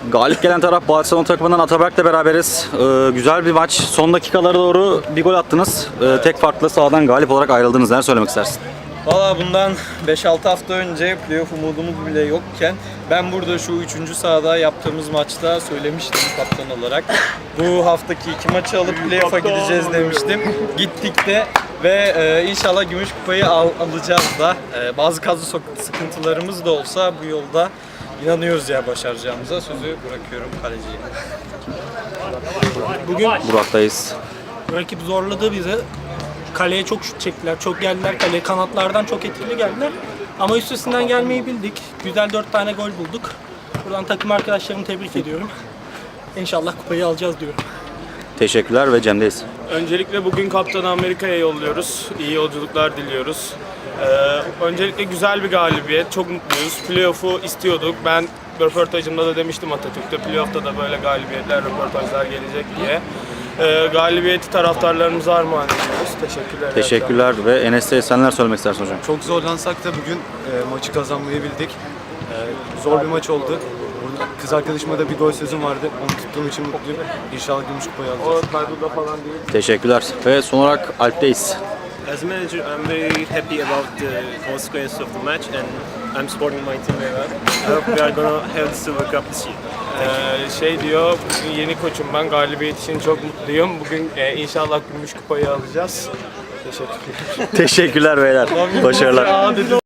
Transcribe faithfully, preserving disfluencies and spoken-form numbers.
Galip gelen taraf Barcelona takımından Ataberk'le beraberiz. Ee, güzel bir maç. Son dakikalara doğru bir gol attınız. Ee, tek farklı sahadan galip olarak ayrıldınız. Neler söylemek istersin? Valla bundan beş altı hafta önce playoff umudumuz bile yokken ben burada şu üçüncü sahada yaptığımız maçta söylemiştim kaptan olarak. Bu haftaki iki maçı alıp playoff'a gideceğiz demiştim. Gittik de ve e, inşallah gümüş kupayı al, alacağız da. E, bazı kadro sıkıntılarımız da olsa bu yolda inanıyoruz ya başaracağımıza. Sözü bırakıyorum kaleciye. Bugün Burak'tayız. rakip zorladı bizi. Kaleye çok şut çektiler, çok geldiler kaleye. Kanatlardan çok etkili geldiler. Ama üstesinden gelmeyi bildik. Güzel dört tane gol bulduk. Buradan takım arkadaşlarımı tebrik ediyorum. İnşallah kupayı alacağız diyorum. Teşekkürler ve Cem'deyiz. Öncelikle bugün Kaptanı Amerika'ya yolluyoruz. İyi yolculuklar diliyoruz. Ee, öncelikle güzel bir galibiyet. Çok mutluyuz. Playoff'u istiyorduk. Ben röportajımda da demiştim Atatürk'te. Playoff'ta da böyle galibiyetler, röportajlar gelecek diye. Ee, galibiyeti taraftarlarımıza armağan ediyoruz. Teşekkürler. Teşekkürler ve Enes'te sen neler söylemek istersin hocam? Çok zorlansak da bugün e, maçı kazanmayı bildik. E, zor bir maç oldu. Burada kız arkadaşıma da bir gol sözüm vardı. Onu tuttuğum için mutluyum. İnşallah gümüş kupayı alacağız. O Kaybuda falan değil. Teşekkürler ve son olarak Alp'teyiz. As a manager, I'm very happy about the consequence of the match, and I'm supporting my team very well. I hope we are gonna have the Silver Cup this year. Ee, şey diyor, bugün yeni koçum ben. Galibiyet için çok mutluyum. Bugün e, inşallah gümüş kupayı alacağız. Teşekkürler. Teşekkürler beyler. Başarılar.